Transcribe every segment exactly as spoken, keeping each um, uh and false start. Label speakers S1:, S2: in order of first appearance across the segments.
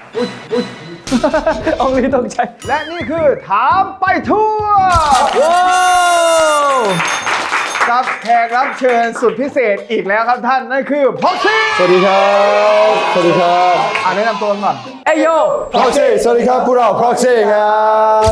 S1: อุ๊ยอุ๊ยเอาเลยต้องใช้และนี่คือถามไปทั่วว้าวครับแขกรับเชิญสุดพิเศษอีกแล้วครับท่านนั่นคือพ็อกซี่
S2: สวัสดีครับสวัสดีครับ
S1: อ่านแนะนำตัวก่อน
S2: เอโยพ็อกซี่สวัสดีครับพวกเราพ็อกซี่ครับ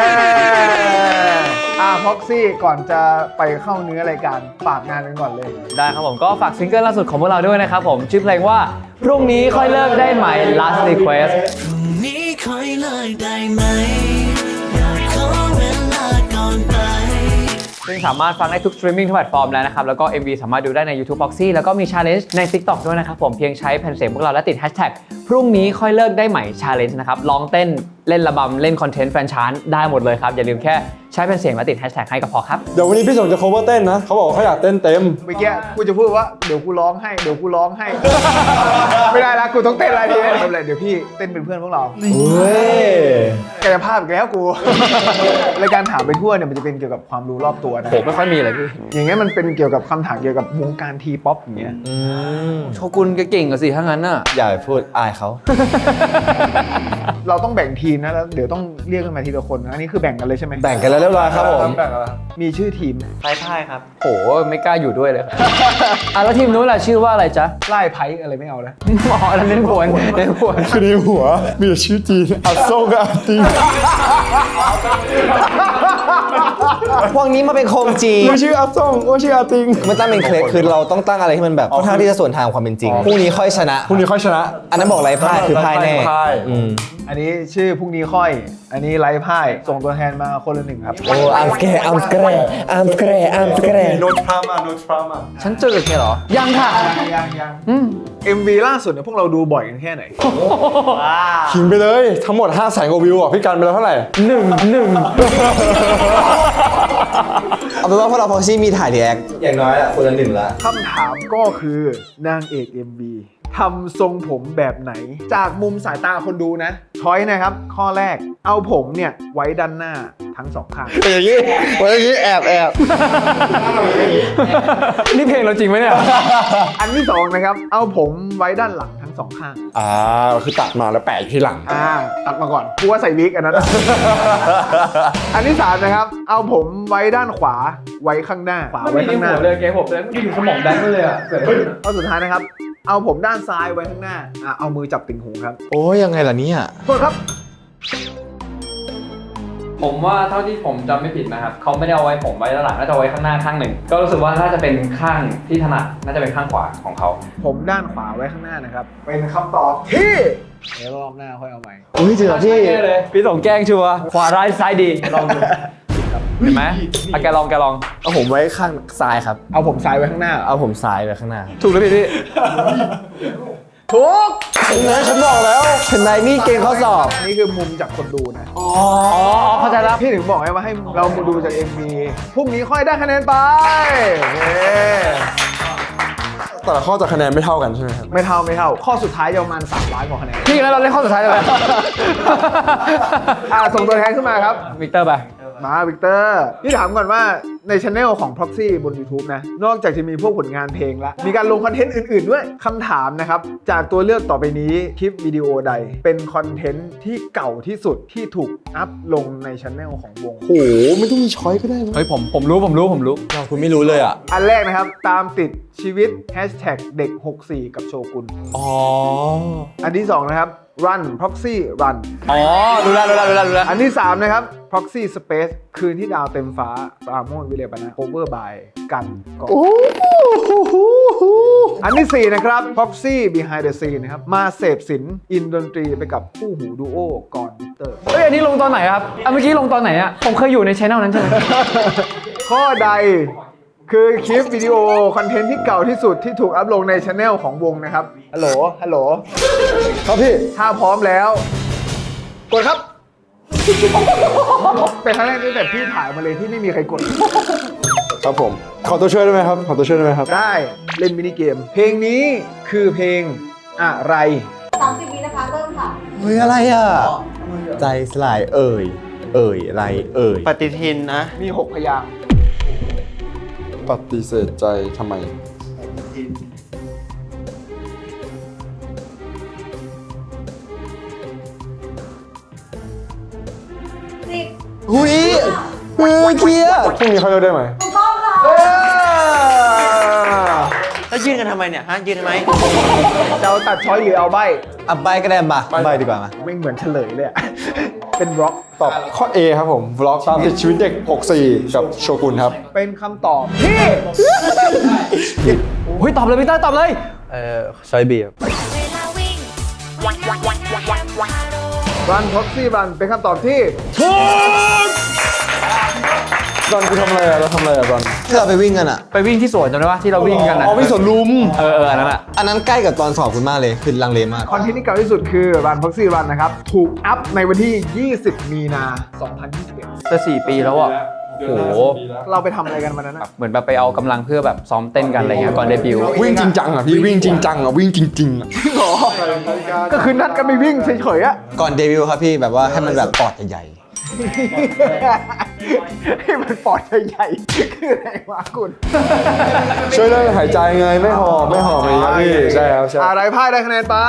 S1: อ่าพ็อกซี่ก่อนจะไปเข้าเนื้อรายการฝากงานกันก่อนเลย
S3: ได้ครับผมก็ฝากซิงเกิลล่าสุดของพวกเราด้วยนะครับผมชื่อเพลงว่าพรุ่งนี้ค่อยเลิกได้ไหม Last Request
S4: พรุ่งนี้ค่อยเลิกได้ไหมอยากขอเวลาก่อนไป
S3: ซึ่งสามารถฟังได้ทุกสตรีมมิ่งทุกแพลตฟอร์มแล้วนะครับแล้วก็ เอ็ม วี สามารถดูได้ใน YouTube Proxy แล้วก็มี Challenge ใน TikTok ด้วยนะครับผมเพียงใช้แผ่นเสียงพวกเราและติด Hashtag พรุ่งนี้ค่อยเลิกได้ไหม Challenge นะครับร้องเต้นเล่นระบำเล่นคอนเทนต์แฟนชานได้หมดเลยครับอย่าลืมแค่ใช้แผ่นเสียงและติด Hashtag ให้ก็พอครับ
S2: เดี๋ยววันนี้พี่สงจะ cover เต้นนะเขาบอกว่าเขาอยากเต้นเต็ม
S1: เมื่อกี้กูจะพูดว่าเดี๋ยวกูร้องให้เดี๋ยวกูร้องให้ ไม่ได้ละกูต้องเต้นอะไรทีไม่เป็นไรเดี๋ยวพี่เต้นเป็นเพื่อนพวกเรา
S2: เฮ้ย
S1: กายภาพอีกแล้วกู รายการถามไปทั่วเนี่ยมันจะเป็นเกี่ยวกับความรู้รอบตัวนะ
S3: ผมไม่ค่อยมีเลยพี่
S1: อย่างเงี้ยมันเป็นเกี่ยวกับคำถามเกี่ยวกับวงการทีป๊อปอย่างเงี้ย
S3: โชกุนก็เก่งกว่าสิถ้างั้นน่ะ
S2: อย่าพูดอายเขา
S1: เราต้องแบ่งทีมนะแล้วเดี๋ยวต้องเรียกกันมาทีละคนนะอันนี้คือแบ่งกันเลยใช่ไหม
S2: แบ่งกันแล้วเรียบร้อยครับผม
S1: มีชื่อทีม
S3: ไพ่ไพ่ครับโหไม่กล้าอยู่ด้วยเลยครับอ่ะแล้วทีมนู้นล่ะชื่อว่าอะไรจ๊ะ
S1: ไล่ไพ่อะไรไม่เอาแล้ว
S3: อ๋อแล้วเล่นผวนเล่นผวน
S2: คือในหัวมีแต่ชื่อจีนอัดโซ่กับอัดติง
S5: พวกนี้มาเป็นโคมจี
S2: ว่าชื่ออัดซ่งว่าชื่ออัดติง
S5: มันตั้งเป็นเคล็ดคือเราต้องตั้งอะไรที่มันแบบค่อนข้างที่จะส่วนทางความเป็นจริงพรุ่งนี้ค่อยชนะ
S2: พรุ่งนี้ค่อยชนะ
S5: อันนั้นบอกไรพ่ายคือพ่ายแน่
S1: อันนี้ชื่อพรุ่งนี้ค่อยอันนี้ไล่พ่ายส่งตัวแทนมาคนละหนึ่งครับ
S5: โอ้อัมสแกร์อัมสแกร์อัมสแกร์อัมสแกร์
S2: โนทรามาโนทรามา
S3: ฉันเจอแค่หรอยังค่ะ
S1: ยังยังยังเอ็มวีล่าสุดเนี่ยพวกเราดูบ่อยกันแค่ไหน
S2: ขิงไปเลยทั้งหมดห้าแสนกว่าวิวอ่ะพี่กันไปแล้วเท่าไหร่
S3: หนึ่งหนึ่ง
S5: เอาเป็นว่าพวกเราพ็อกซี่มีถ่ายรีแอคอย่างน้อยละคนละหนึ่งละ
S1: คำถามก็คือนางเอก เอ็ม วี ทำทรงผมแบบไหนจากมุมสายตาคนดูนะช้อยนะครับข้อแรกเอาผมเนี่ยไว้ด้านหน้าทั้งสองข้าง
S2: อย่างนี้อย่างนี้แอบแอบ
S3: นี่เพลงเราจริงไหมเนี่ย
S1: อันที่สองนะครับเอาผมไว้ด้านหลังทั้งสองข้าง
S2: อ่าคือตัดมาแล้วแปะที่หลัง
S1: อ่าตัดมาก่อนกูว่าใส่วิกอันนั้น อันที่สามนะครับเอาผมไว้ด้านขวาไว้ข้างหน้าขวาไว้ข้างหน้า
S3: เลยแกผมเลยไม่อยู่สมองแดงเลยอ่ะ
S1: ข้อสุดท้ายนะครับเอาผมด้านซ้ายไว้ข้างหน้าอ่ะเอามือจับติ่งหูครับ
S5: โอ้ยยังไงล่ะเนี่ย
S1: โทษครับ
S3: ผมว่าเท่าที่ผมจำไม่ผิดนะครับเขาไม่ได้เอาไว้ผมไว้ด้านหลังน่าจะไว้ข้างหน้าข้างหนึ่งก็รู้สึกว่าน่าจะเป็นข้างที่ถนัดน่าจะเป็นข้างขวาของเขา
S1: ผมด้านขวาไว้ข้างหน้านะครับเป็นคำตอบที่เดี๋ยวรอบหน้าค่อยเอาใหม่
S5: อุ้ยเจอพี่
S3: พี่ส่งแกล้งชัวร์ขวาร้ายซ้ายดีลองดูเห็นไหมอ่ะแกลองแกลอง
S5: เอาผมไว้ข้างซ้ายครับ
S1: เอาผมซ้ายไว้ข้างหน้า
S5: เอาผมซ้ายไว้ข้างหน้า
S3: ถูกแล้วพี่พี่
S1: ถูก
S2: ฉันบอกแล้ว
S5: ฉันได้นี่เกณฑ์ข้อสอบ
S1: นี่คือมุมจากคนดูนะ
S3: อ๋อเข้าใจแล้ว
S1: พี่ถึงบอกไงว่าให้เรามาดูจาก เอ็ม วี พรุ่งนี้ค่อยได้คะแนนไป
S2: แต่ละข้อจะคะแนนไม่เท่ากันใช่ไหมครับ
S1: ไม่เท่าไม่เท่าข้อสุดท้ายจะประมาณสามล้านกว่าคะแนน
S3: พี่งั้นเราเล่นข้อสุดท้ายเลย
S1: อ่าส่งตัวแทนขึ้นมาครับ
S3: วิกเตอร์ไป
S1: มาวิกเตอร์พี่ถามก่อนว่าใน channel ของ Proxy บน YouTube นะนอกจากจะมีพวกผลงานเพลงแล้วมีการลงคอนเทนต์อื่นๆด้วยคำถามนะครับจากตัวเลือกต่อไปนี้คลิปวิดีโอใดเป็นคอนเทนต์ที่เก่าที่สุดที่ถูกอัพลงใน channel ของวง
S2: โหไม่ต้องมีช้อยก็ได้
S3: เฮ้ยผมผมรู้ผมรู้ผมรู้
S5: เราคุณไม่รู้เลยอ่ะ
S1: อันแรกนะครับตามติดชีวิต Hashtag เด็กหกสี่กับโชกุน
S5: อ๋อ
S1: อันที่สองนะครับ Run Proxy Run
S3: อ๋อรู้แล้วรู้แล้วรู้แล้วรู้แล้ว
S1: อันที่สามนะครับ Proxy Space คืนที่ดาวเต็มฟ้าปราโมทวิเลปนะ Cover by กันก่อนอันที่สี่นะครับ Proxy Behind the Scene นะครับมาเสพศิลป์อินดนตรีไปกับคู่หูดูโอก่อนวิกเตอร์
S3: เฮ้ยอันนี้ลงตอนไหนครับอ่ะเมื่อกี้ลงตอนไหนอ่ะผมเคยอยู่ในช่องนั้นใช่ไหม
S1: ข้อใดคือคลิปวิดีโอคอนเทนต์ที่เก่าที่สุดที่ถูกอัพลงในช anel ของวงนะครับฮัลโหลฮัลโหล
S2: ครับพี่
S1: ถ้าพร้อมแล้วกดครับเป็นครั้งแรกตั้งแต่พี่ถ่ายมาเลยที่ไม่มีใครกด
S2: ครับผมขอตัวช่วยได้ไหมครับขอตัวช่วยได้ไหมครับ
S1: ได้เล่นมินิเกมเพลงนี้คือเพลงอะไร
S6: สามสิบวินะคะเริ่มค่ะ
S5: เฮ้ยอะไรอ่ะใจสลายเอ่ยเอ่ยอะไรเอ่ย
S3: ปฏิทินนะ
S1: มีหกพยางค์
S2: ปฏิเสธใจทำไมพรุ่งนี้เขาเลิกได้ไหม
S6: ถูกต้องค่ะ
S1: เออ
S7: แล้วยืนกันทำไมเนี่ยฮะยืนทำไม
S1: จะเอาตัดช้อยหรือเอาใบ
S5: อ่ะใบก็ได้มาใบดีกว่ามา
S1: ไม่เหมือนเฉลยเลยอะ เป็นร็อก
S2: ตอบข้อ A ครับผมวล็อกตามติดชีวิตเด็กหกสี่กับโชกุนครับ
S1: เป็นคำตอบที่
S3: เฮ้ย ตอบเลยพี่เต้ยตอบเลย
S5: เออซอยบีครับ
S1: รันพ็อกซี่รันเป็นคำตอบที่
S2: ตอนกูทำอะไรอะเราทำอะไรอะตอน
S5: ที่เราไปวิ่งกันอ่ะ
S3: ไปวิ่งที่สวนจำได้ปะที่เราวิ่งกันนะ
S2: อ๋อวิ่งสวนลุม
S3: เออเอออันนั้นอะ
S5: อันนั้นใกล้กับตอนสอบคุณมากเลยคือลังเลมาก
S1: คอนเทนต์ที่เก่าที่สุดคือรันพ็อกซี่รันนะครับ ถูกอัพในวันที่ ยี่สิบ มีนา สองพันยี่สิบเอ็ด
S3: จะสี่ปีแล้วอ่ะโอ้โห
S1: เราไปทำอะไรกันวันนั้น
S3: แบ
S1: อะ
S3: บเหมือนแบบไปเอากำลังเพื่อแบบซ้อมเต้นกันอะไรเงี้ยก่อนเดบิวต์
S2: วิ่งจริงจังอ่ะพี่วิ่งจริงจังอ่ะวิ่งจริงๆอ่ะ
S1: ก็คือนัดกันไปวิ่งเฉยๆอะ
S5: ก่อนเดบิวต์ครับพี่แบบว่าให้มันแบบปอดใหญ่
S1: ให้มันปอดใหญ่ๆคืออะไรวะคุณ
S2: ช่วยเรื่องหายใจไงไม่หอบไม่หอบอะไรอย่างเงี้ยพี่ใช่ครับใช่
S1: อะไรพ่ายได้คะแนนไป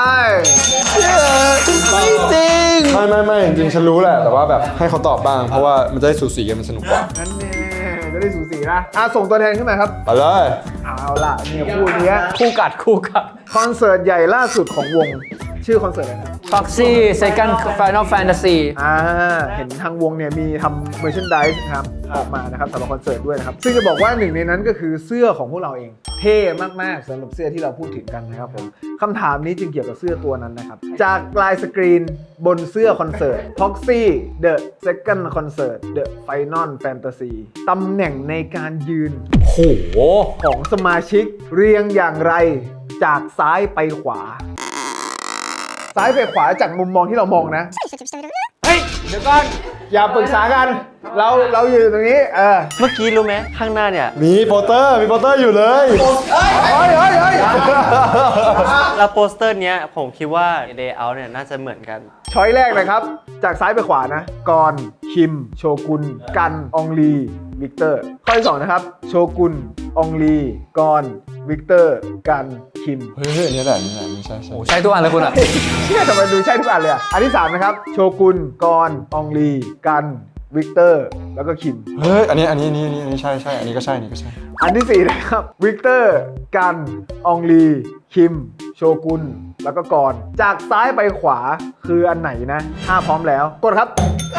S5: ไม่จริง
S2: ไม่ไม่ไม่จริงๆฉันรู้แหละแต่ว่าแบบให้เขาตอบบ้างเพราะว่ามันจะได้สูสีกันมันสนุกกว่า
S1: นั่นแน่จะได้สูสีนะอ่ะส่งตัวแทนขึ้นมาครับ
S2: ไปเลย
S1: เอาล่ะเนี่ยคู่เนี้ย
S3: คู่กัดคู่กัด
S1: คอนเสิร์ตใหญ่ล่าสุดของวง ชื่อคอนเสิร์ตอะไรนะ
S3: Foxy Second Final Fantasy
S1: อ่าเห็นทางวงเนี่ยมีทำเมอร์ช n นดิสนะครับออกมานะครับสำหรับคอนเสิร์ตด้วยนะครับ ซึ่งจะบอกว่าหนึ่งในนั้นก็คือเสื้อของพวกเราเอง เท่มากๆสำหรับเสื้อที่เราพูดถึงกันนะครับผมคำถามนี้จึงเกี่ยวกับเสื้อตัวนั้นนะครับ จากลายสกรีนบนเสื้อคอนเสิร์ต Foxy The Second Concert The Final Fantasy ตำแหน่งในการยืน
S3: โห
S1: ของสมาชิกเรียงอย่างไรจากซ้ายไปขวา ซ้ายไปขวาจากมุมมองที่เรามองนะ เฮ้ย เดี๋ยวก่อน อย่าปรึกษากัน เราเราอยู่ตรงนี้ เออ
S7: เมื่อกี้รู้ไหมข้างหน้าเนี่ย
S2: มีโปสเตอร์มีโปสเตอร์อยู่เลย
S1: เฮ้ยเฮ้ยเฮ้ย
S7: แล้วโปสเตอร์เนี้ยผมคิดว่า layout เนี่ยน่าจะเหมือนกัน
S1: ช้อยแรกนะครับ จากซ้ายไปขวานะกรคิม โชกุน กัน อองลี วิกเตอร์ ข้อที่สองนะครับ โชกุน อองลี กร วิกเตอร์ กัน คิม
S2: เฮ้ยอันนี้แหละอันนี่แหละไม่ใช่ใช่
S3: โอ้ใช่ทุกอันเลยคุณอะ
S1: เชื่อทำไมดูใช่ทุกอันเลยอ่ะ อันที่สามนะครับ โชกุน กร อองลี กัน วิกเตอร์ แล้วก็คิม
S2: เฮ้ยอันนี้อันนี้อันนี้อันนี้อันนี้ใช่ใช่อันนี้ก็ใช่อันนี้ก็ใช่
S1: อันที่สี่นะครับ วิกเตอร์ กัน อองลี คิม โชกุน แล้วก็กร จากซ้ายไปขวาคืออันไหนนะ ถ้าพร้อมแล้ว กดครับ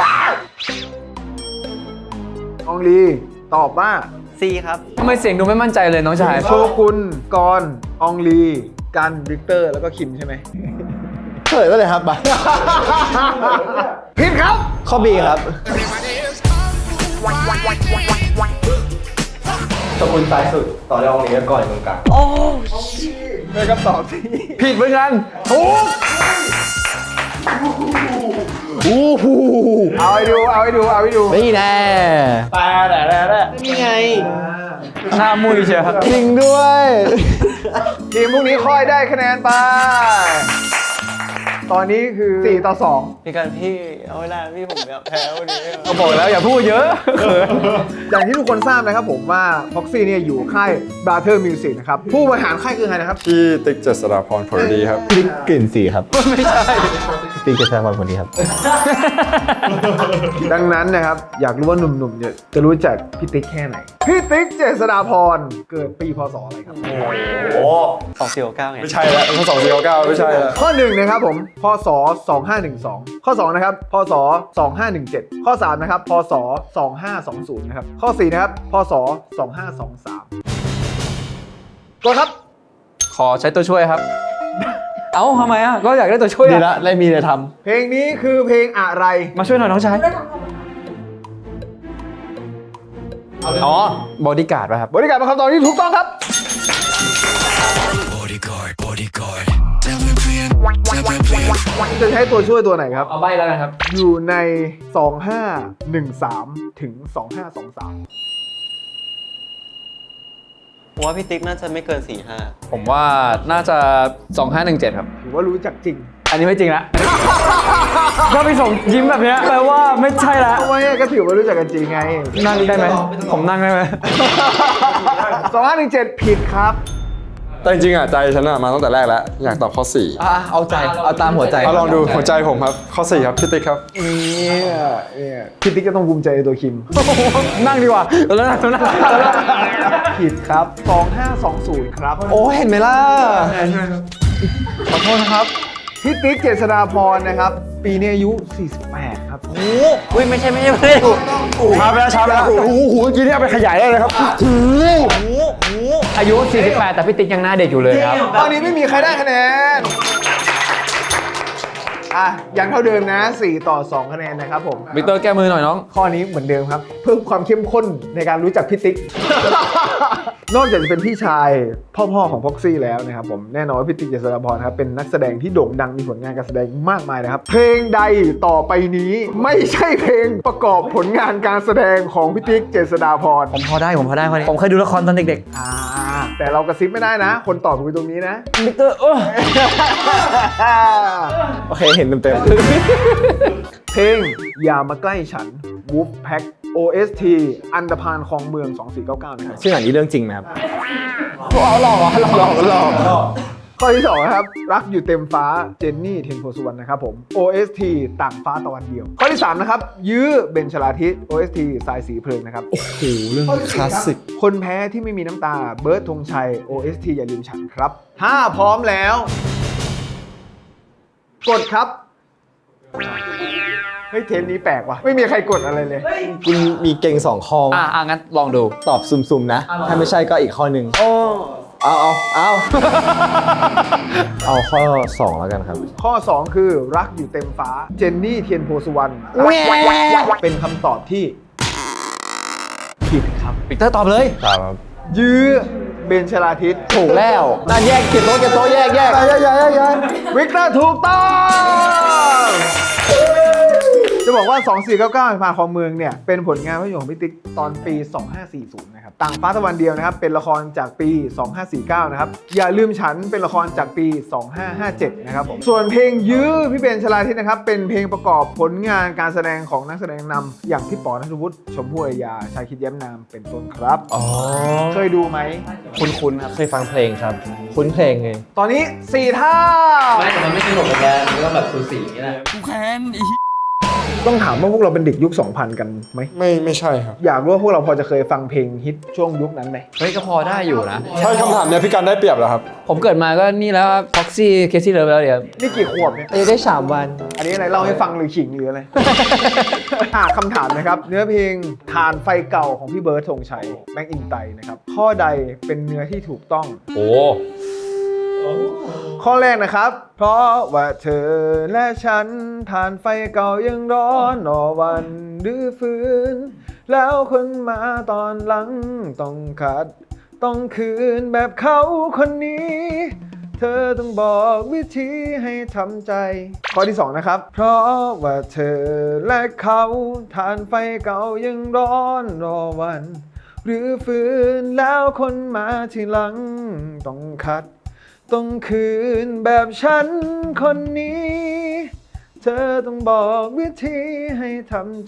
S1: อองลี ตอบว่า
S7: C ครับ
S3: ทำไมเสียงดูไม่มั่นใจเลยน้องชาย
S1: โชกุน กร อองลี กัน วิกเตอร์ แล้วก็คิมใช่ไหม
S5: เฉลยไปเลยครับมา
S1: ผิดครับ
S5: ข้อ B ครับ
S8: ตะกุนซ้ายสุด ต่อด้วยองค์นี้แล้วก่อนตรงกลาง
S1: เป็นคำตอบที่
S3: ผิดเหมือนกัน
S1: ถูกเอาให้ดู เอาให้ดู เอาให้ดู
S5: นี่แน่
S7: นี่ไง
S3: หน้ามุยเชียว
S5: จริงด้วย
S1: ทีมพวกนี้ค่อยได้คะแนนไป ตอนนี้คือสี่ต่อสอง
S7: พี่กันพี่เอาเวลาพี่ผมแบบแพ้วันนี้
S3: ก็บอกแล้วอย่าพูดเยอะเขิน
S1: อย่างที่ทุกคนทราบนะครับผมว่า Foxy เนี่ยอยู่ค่าย Brother Music นะครับ ผู้บริหารค่ายคือใครนะครับ
S2: พี่ติ๊กเจษฎาพรผลดีครับ
S5: ติ๊กกลิ่นสีครับ
S3: ไม่ใช่
S5: ติ๊กจะแสดงความคนดีครับ
S1: ดังนั้นนะครับ อยากรู้ว่าหนุ่มๆเนี่ยจะรู้จักพี่ติ๊กแค่ไหน พี่ติ๊กเจษฎาพรเกิดปีพศอะไรครับ
S7: โอ้สองสี่เก้าไง
S2: ไม่ใช่แล้วทั้งสองสี่เก้าเก้าไม่ใช่แล้ว
S1: ข้อหนึ่งนะครับผมพศสองห้าหนึ่งสองข้อสองนะครับพศสองห้าหนึ่งเจ็ดข้อสามนะครับพศสองห้าสองศูนย์นะครับข้อสี่นะครับพศสองห้าสองสามกดครับ
S3: ขอใช้ตัวช่วยครับ เอ้าทำไมอ่ะ ก็อยากได้ตัวช่วย
S5: ดี
S3: อ่ะ
S5: ละได้มีอะไรท
S1: เพลงนี้คือเพลงอะไร
S3: มาช่วยหน่อยน้องชาย
S6: ได้ทำคำ
S3: อ๋อ บอดี้การ์ดป่ะครับ
S1: บริการเป็นคำตอบที่ถูกต้องครับ
S4: Bodyguard Bodyguard
S1: จะใช้ตัวช่วยตัวไหนครับ
S3: เอาใบแล้วกันครับ
S1: อยู่ในสองห้าหนึ่งสามถึงสองห้าสองสาม
S7: ผมว่าพี่ติ๊กน่าจะไม่เกินสี่ห้า
S3: ผมว่าน่าจะ สองห้าหนึ่งเจ็ด ครับ
S1: ถือว่ารู้จักจริง
S3: อันนี้ไม่จริงละ ก็ไปส่งยิ้มแบบเนี้ยแปลว่าไม่ใช่ละ
S1: ทำไมก็ถือว่ารู้จักกันจริงไง
S3: นั่งได้ไหม ผมนั่งได้ไหม
S1: สองห้าหนึ่งเจ็ดผิดครับ
S2: แต่จริงๆอ่ะใจฉันอ่ะมาตั้งแต่แรกแล้วอยากตอบข้อสี่
S5: อ่ะเอาใจ เอาตามหัวใจ
S2: เอาลองดูหัวใจผมครับข้อสี่ครับพี่ติ๊กครับ
S1: เนี่ยเนี่ยพี่ติ๊กก็ต้องภูมิใจในตัวคิม
S3: นั่งดีกว่าแล้วนั่งแล้วนั่ง
S1: ผิดครับสองห้าสองศูนย์ครับ
S5: โอ้เห็นไหมล่ะ
S1: ขอโทษนะครับพี่ติ๊กเจษฎาพรนะครับ ปีนี้อายุสี่สิบแปดครับ
S7: โอ้อุ้ยไม่ใช่ไม่ใช่ไม่ใช่
S2: ช้าไปแล้วช้าไปแล้วโอ้โหโอ้โหเมื่อกี้เนี่ยเอาไปขยายได้เลยครับ
S3: อายุ สี่สิบแปด แต่พี่ติ๊กยังหน้าเด็กอยู่เลยครับ
S1: ตอนนี้ไม่มีใครได้คะแนน อ่ะยังเท่าเดิมนะสี่ต่อสองคะแนนนะครับผม
S3: วิกเตอร์แก้มือหน่อยน้อง
S1: ข้อนี้เหมือนเดิมครับ เพิ่มความเข้มข้นในการรู้จักพี่ติ๊ก นอกจากจะเป็นพี่ชายพ่อๆของพ็อกซี่แล้วนะครับผมแน่นอนว่าพี่ติ๊กเจษฎาพรครับเป็นนักแสดงที่โด่งดังมีผลงานการแสดงมากมายนะครับ เพลงใดต่อไปนี้ไม่ใช่เพลงประกอบผลงานการแสดงของพี่ติ๊กเจษฎาพร
S3: ผมพอได้ผมพอได้พอได้ผมเคยดูละครตอนเด็ก
S1: อ่าแต่เรากระซิบไม่ได้นะ คนตอบคือตรงนี้นะ
S3: ๆวิกเตอร์เออ
S5: โอเค เห็นเต็ม
S1: เพลงอย่ามาใกล้ฉัน Wolf Pack โอ เอส ที อันดพานคลองเมือง สองสี่เก้าเก้า นะครับ
S5: ๆชื่อหนังนี้เรื่องจริงไหมครับ
S1: เอาหลอกเหรอหลอกหลอกหลอกข้อที่สองนะครับ รักอยู่เต็มฟ้าเจนนี่เทียนโพสุวรรณนะครับผม โอ เอส ที ต่างฟ้าตะวันเดียว ข้อที่สามนะครับ ยื้อเบญชลาทิศ โอ เอส ที สายสีเพลิงนะครับ
S5: โอ้โห เรื่องคลาสสิก
S1: คนแพ้ที่ไม่มีน้ำตาเบิร์ดธงชัย โอ เอส ที อย่าลืมฉันครับถ้าพร้อมแล้ว กดครับ เฮ้ยเทปนี้แปลกว่ะ ไม่มีใครกดอะไรเลย
S5: คุณมีเก่งสองข้อ
S3: อ่ะอ่ะงั้นลองดู
S5: ตอบซุ่มๆนะ ถ้าไม่ใช่ก็อีกข้อหนึ่งเอาเอาเอาเอาข้อสองแล้วกันครับ
S1: ข้อ สอง คือรักอยู่เต็มฟ้า เจนนี่เทียนโพสุวรรณเป็นคำตอบที่ผิดครับ
S3: วิกเตอร์ตอบเลย
S5: ครับ
S1: ยื้อเบญชลาทิศ
S5: ถูกแล้วน่าแยกเก็บโต๊ะเก็บโต๊ะแยกแยก
S1: ย้ายย้ายย้ายย้ายวิกเตอร์ถูกต้อง จะบอกว่า สองสี่เก้าเก้า ผ่านของเมืองเนี่ย เป็นผลงานภาพยนตร์ของพี่ติ๊กตอนปี สองห้าสี่ศูนย์ นะครับ ต่างฟ้าตะวันเดียวนะครับ เป็นละครจากปี สองห้าสี่เก้า นะครับ อย่าลืมฉันเป็นละครจากปี สองห้าห้าเจ็ด นะครับผม ส่วนเพลงยื้อพี่เบญชลาทิศนะครับ เป็นเพลงประกอบผลงานการแสดงของนักแสดงนำอย่างพี่ป๋อณัฐวุฒิ ชมพู่อารยา ชายคิดแย้มนาม เป็นต้นครับ
S5: อ๋อ
S1: เคยดูไหม
S5: คุ้นๆครับเคยฟังเพลงครับ คุ้นเพลงเลย
S1: ตอนนี้สี่ท่า
S7: ไม่แต่มันไม่สนุกเลยแกมันก็แบบสูสีอย่างนี้แหละ
S1: ต้องถามว่าพวกเราเป็นเด็กยุค สองพัน กันไหม
S2: ไม่ไม่ใช่ครับ
S1: อยากรู้ว่าพวกเราพอจะเคยฟังเพลงฮิตช่วงยุคนั้นไหม
S3: เฮ้ยก็พอได้อยู่นะ
S2: ใช่คำถามเนี้ยพี่การได้เปรียบแล้วครับ
S3: ผมเกิดมาก็นี่แล้วพ็อกซี่เคซี่เลิฟแล้วเดี๋ยว
S1: นี่กี่ขวบเนี่ย
S5: อายุได้สามวัน
S1: อันนี้อะไรเล่าให้ฟังหรือขิงหรืออะไร อ่ะคำถามนะครับ เนื้อเพลงทานไฟเก่าของพี่เบิร์ดธงชัยแม็กอินไตนะครับ ข้อใดเป็นเนื้อที่ถูกต้อง
S3: โอ้
S1: ข้อแรกนะครับ เพราะว่าเธอและฉันทานไฟเก่ายังร้อนรอวันดื้อฟื้น แล้วคนมาตอนหลังต้องขัด ต้องคืนแบบเขาคนนี้ เธอต้องบอกวิธีให้ทำใจ ข้อที่สองนะครับ เพราะว่าเธอและเขาทานไฟเก่ายังร้อนรอวัน หรือฟื้นแล้วคนมาทีหลังต้องขัด ต้องคืนแบบฉันคนนี้ เธอต้องบอกวิธีให้ทำใจ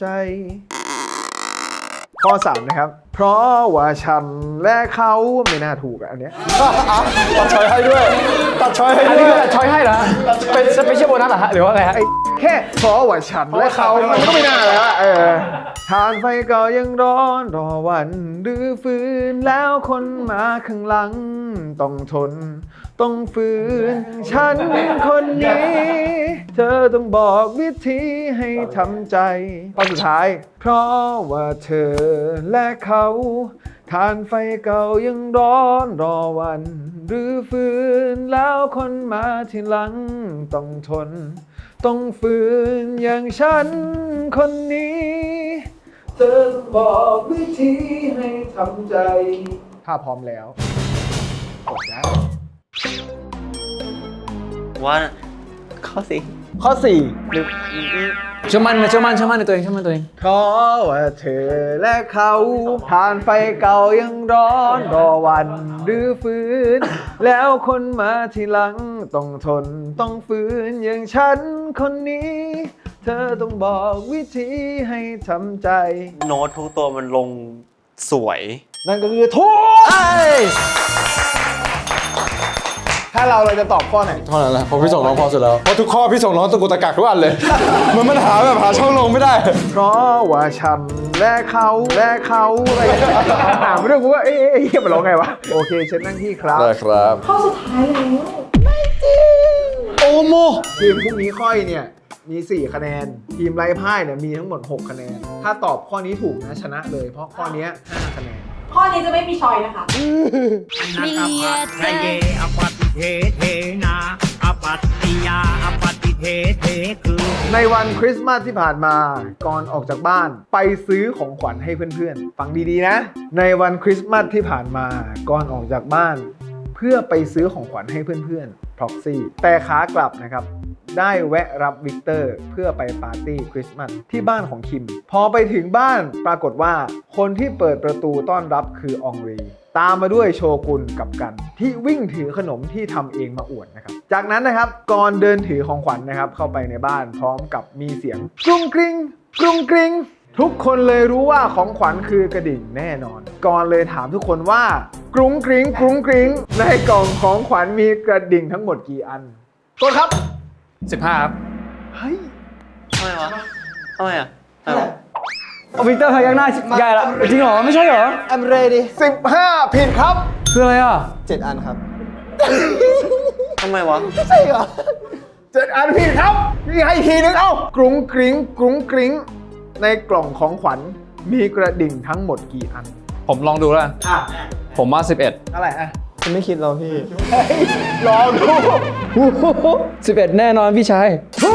S1: ข้อสามนะครับ เพราะว่าฉันและเขาไม่น่าถูกอะอันเนี้ย
S2: ตัดช้อยให้ด้วย ตัดช้อยให้
S3: อัน
S2: ด้
S3: นี้
S2: วย
S3: ก็ช้อยให้เหรอ เป็นสเปเชียลโบนัสเหรอฮะหรือว่าอะไรฮะ
S1: ไอ้แค่เพราะว่าฉันและเขามันก็ไม่น่าแล้วอะเออทานไฟก็ยังร้อนรอวันดื้อฟื้นแล้วคนมาข้างหลังต้องทน ต้องฝืนฉันคนนี้ เธอต้องบอกวิธีให้ทำใจข้อสุดท้าย เพราะว่าเธอและเขาทานไฟเก่ายังร้อนรอวันหรือฝืนแล้วคนมาทีหลังต้องทน ต้องฝืนอย่างฉันคนนี้ เธอต้องบอกวิธีให้ทำใจ ถ้าพร้อมแล้วกดนะ
S7: ว่าข้อสี่
S1: ข้อสี่
S3: เชื่อมั่นเชื่อมั่นเชื่อมั่นในตัวเองเชื่อมั่นในตัวเอง
S1: เพราะว่าเธอและเขาทานไฟเก่ายังร้อนรอวันหรือฟื้น แล้วคนมาทีหลังต้องทนต้องฝืนอย่างฉันคนนี้ เธอต้องบอกวิธีให้ทำใจ
S7: โน้ตทุกตัวมันลงสวย
S1: นั่นก็คือทุกแล้วเราเราจะตอบข้อไหน
S2: เท่านั้นแหละเพราะพี่ส่งน้องพอสุดแล้วเพราะทุกข้อพี่ส่งน้องตะกุกตะกักทุกอันเลย มันมันหาแบบหาช่องลงไม่ได้
S1: เพราะว่าฉันและเขาและเขาอะไรอย่างเงี้ยถามเรื่องกูว่าเอ๊ะเอ๊ะเอ๊ะมันร้องไงวะโอเคเชิญนั่งที่ครับ
S2: ได้ครับ
S6: ข้อสุดท้ายแล้ว
S2: โอโม
S1: ทีมพรุ่งนี้ค่อยเนี่ยมีสี่คะแนนทีมไร้พ่ายเนี่ยมีทั้งหมดหกคะแนนถ้าตอบข้อนี้ถูกนะชนะเลยเพราะข้อเนี้ยห้าคะแนน
S6: ข้อนี้จะไม่มีชอยนะคะ
S1: ในวันคริสต์มาสที่ผ่านมาก่อนออกจากบ้านไปซื้อของขวัญให้เพื่อนๆฟังดีๆนะในวันคริสต์มาสที่ผ่านมาก่อนออกจากบ้านเพื่อไปซื้อของขวัญให้เพื่อนๆ Proxy แต่ขากลับนะครับได้แวะรับวิกเตอร์เพื่อไปปาร์ตี้คริสต์มาสที่บ้านของคิมพอไปถึงบ้านปรากฏว่าคนที่เปิดประตูต้อนรับคืออองรีตามมาด้วยโชกุนกับกันที่วิ่งถือขนมที่ทำเองมาอวดนะครับจากนั้นนะครับก่อนเดินถือของขวัญนะครับเข้าไปในบ้านพร้อมกับมีเสียงกรุงกริงกรุงกริงทุกคนเลยรู้ว่าของขวัญคือกระดิ่งแน่นอนก่อนเลยถามทุกคนว่ากรุงกริงกรุงกริงในกล่องของขวัญมีกระดิ่งทั้งหมดกี่อันกดครับ
S3: สิบห้าครับ
S1: เฮ้ย
S7: ทำไมวะทำไมอ่ะทำไมวะ
S3: เอาวิกเตอร์พยักหน้าใหญ่ละจริงเหรอไม่ใช่เหรอ
S5: I'm ready
S1: สิบห้าผิดครับ
S3: คืออะไรอ่ะ
S5: เจ็ดอันครับ
S7: ทำไมวะ
S5: ใช่เหรอ
S1: เจ็ดอันผิดครับมีให้ทีนึงเอ้ากรุงกริงกรุงกริงในกล่องของขวัญมีกระดิ่งทั้งหมดกี่อัน
S3: ผมลองดูแล้วกัน
S1: อ่ะ
S3: ผมว่าสิบเอ็ด
S1: อะไรอ่ะ
S5: ฉันไม่คิดแล้วพี่
S1: เฮ้ยลองดู
S3: สิบเอ็ดแน่นอนพี่ชาย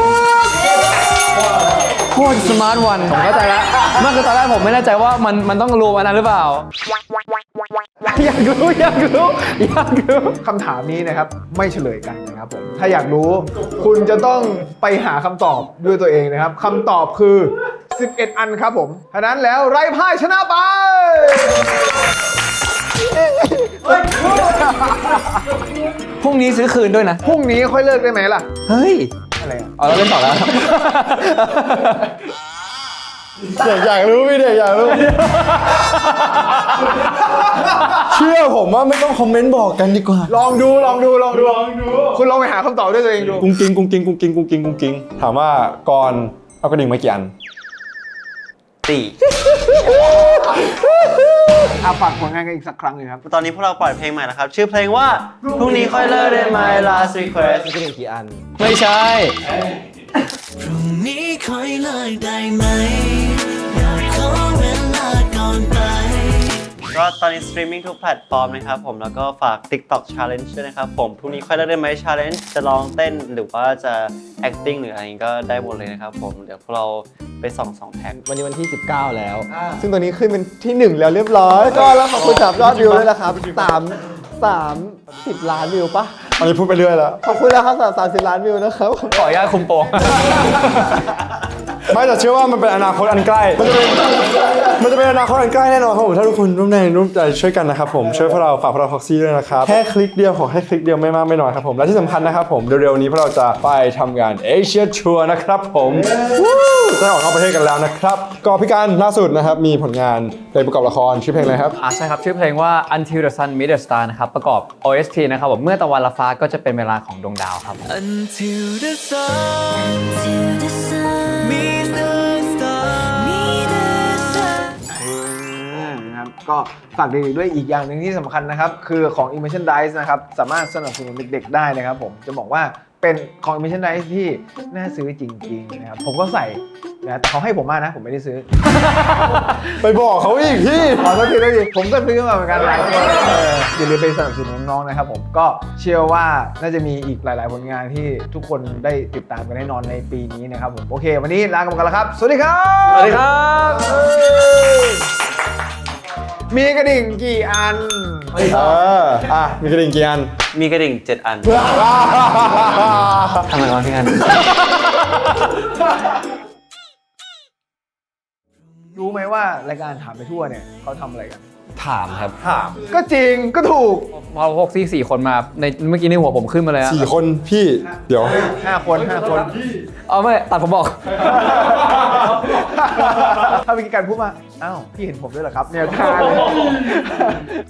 S3: โคตรสมาร์ทวันผมเข้าใจแล้วเมื่อคือตอนแรกผมไม่แน่ใจว่ามันมันต้องรวมอันนั้นหรือเปล่า อยากรู้อยากรู้อยากรู้
S1: คำถามนี้นะครับไม่เฉลยกันนะครับผมถ้าอยากรู้คุณจะต้องไปหาคำตอบด้วยตัวเองนะครับคำตอบคือสิบเอ็ดอันครับผมฉะนั้นแล้วไร้พ่ายชนะไป
S3: พรุ่งนี้ซื้อคืนด้วยนะ
S1: พรุ่งนี้ค่อยเลิกได้ไหมล่ะ
S3: เฮ้ย
S1: อะไรอ่ะ
S3: เอาเราเล่นต่อแล้ว
S2: เด็กอยากรู้พี่เด็กอยากรู้ เชื่อผมว่าไม่ต้องคอมเมนต์บอกกันดีกว่า
S1: ลองดูลองดูลองดูคุณลองไปหาคำตอบด้วยตัวเองดู
S2: กุ้งกิ้งกุ้งกิ้งกุ้งกิ้งกุ้งกิ้งกุ้งกิ้งถามว่าก่อนเอากระดิ่งมากี่อัน
S7: สี่
S1: อาฝากผลงานกันอีกสักครั้งหนึ่งครับ
S7: ตอนนี้พวกเราปล่อยเพลงใหม่แล้วครับ ชื่อเพลงว่าพรุ่งนี้ค่อยเลิกได้ไหม last request
S5: มีกระดิ่งกี่อัน
S3: ไม่ใช่
S4: พรุ่งนี้ค่อยเลิกได้ไหม อยากขอเวลาก่อนไป
S7: ก็ตอนนี้สตรีมมิ่งทุกแพลตฟอร์มนะครับผมแล้วก็ฝาก TikTok Challenge ด้วยนะครับผมพรุ่งนี้ค่อยเลิกได้ไหม Challenge จะร้องเต้นหรือว่าจะ acting หรืออะไรก็ได้หมดเลยนะครับผมเดี๋ยวพวกเราไปส่องสองแท็ก
S5: วันนี้วันที่สิบเก้าแล้ว ซึ่งตอนนี้ขึ้นเป็นที่หนึ่งแล้วเรียบร้อย ก็แล้วขอบคุณสำหรับยอดวิวด้วยนะครับสามสามสิบล้านวิวปะ
S2: อันนี้พูดไปเรื่อยแล้ว
S5: ขอบคุณแล้วครับสำหรับสามสิบล้านวิวนะครับ
S3: ขออนุญาตคุมโปง
S2: ไม่แต่เชื่อว่ามันเป็นอนาคตอันใกล้ มันจะเป็นมันจะเป็นอนาคตอันใกล้แน่นอนครับผมถ้าทุกคนร่วมแรงร่วมใจช่วยกันนะครับผมช่วยพวกเราฝากพวกเรา Proxy ด้วยนะครับแค่คลิกเดียวขอให้คลิกเดียวไม่มากไม่น้อยครับผมและที่สำคัญนะครับผมเร็วๆนี้พวกเราจะไปทำงานเอเชียทัวร์นะครับผมจะออกนอกประเทศกันแล้วนะครับก็พี่การล่าสุดนะครับมีผลงานเพลงประกอบละครชื่อเพลงอะไรครับ
S3: อ่ะใช่ครับชื่อเพลงว่า Until the Sun Meets the Star นะครับประกอบ โอ เอส ที นะครับผมเมื่อตะวันละฟ้าก็จะเป็นเวลาของดวงดาวครับ
S4: Until the sun meets the star meets the sun
S1: นะครับก็ฝากเด็กๆด้วยอีกอย่างหนึ่งที่สำคัญนะครับคือของ Immersion Dice นะครับสามารถสนับสนุนเด็กๆได้นะครับผมจะบอกว่าเป็นของ Immersion Dice ที่น่าซื้อจริงๆนะครับผมก็ใส่นะแต่เขาให้ผมมานะผมไม่ได้ซื้อ
S2: ไปบอกเขาอีกพี่
S1: ขอโทษทีด้วยดิผมก็ซื้อมาเหมือนกันหลายตัวเอออย่าลืมไปสนับสนุนน้องๆนะครับผมก็เชื่อว่าน่าจะมีอีกหลายๆผลงานที่ทุกคนได้ติดตามกันแน่นอนในปีนี้นะครับผมโอเค วันนี้ลากันไปก่อนแล้วครับสวัสดีครับ
S3: สวัสดีครับ
S1: มีกระดิ่งกี่อัน
S2: เอออ่ะมีกระดิ่งกี่อัน
S7: มีกระดิ่งเจ็ดอันทำไมวะพี่กัน
S1: รู้ไหมว่ารายการถามไปทั่วเนี่ยเขาทำอะไรกัน
S3: ถามครับ
S1: ก็จริงก็ถูก
S3: พอพวกซี่สี่คนมาในเมื่อกี้ในหัวผมขึ้นมาเลยอะ
S2: สี่คนพี่เดี๋ยว
S1: ห้าคนห้าคน
S3: เอาไม่ตัดผมบอก
S1: ถ้ามีการพูดมาอ้าวพี่เห็นผมด้วยเหรอครับเนี่ยท่าเลย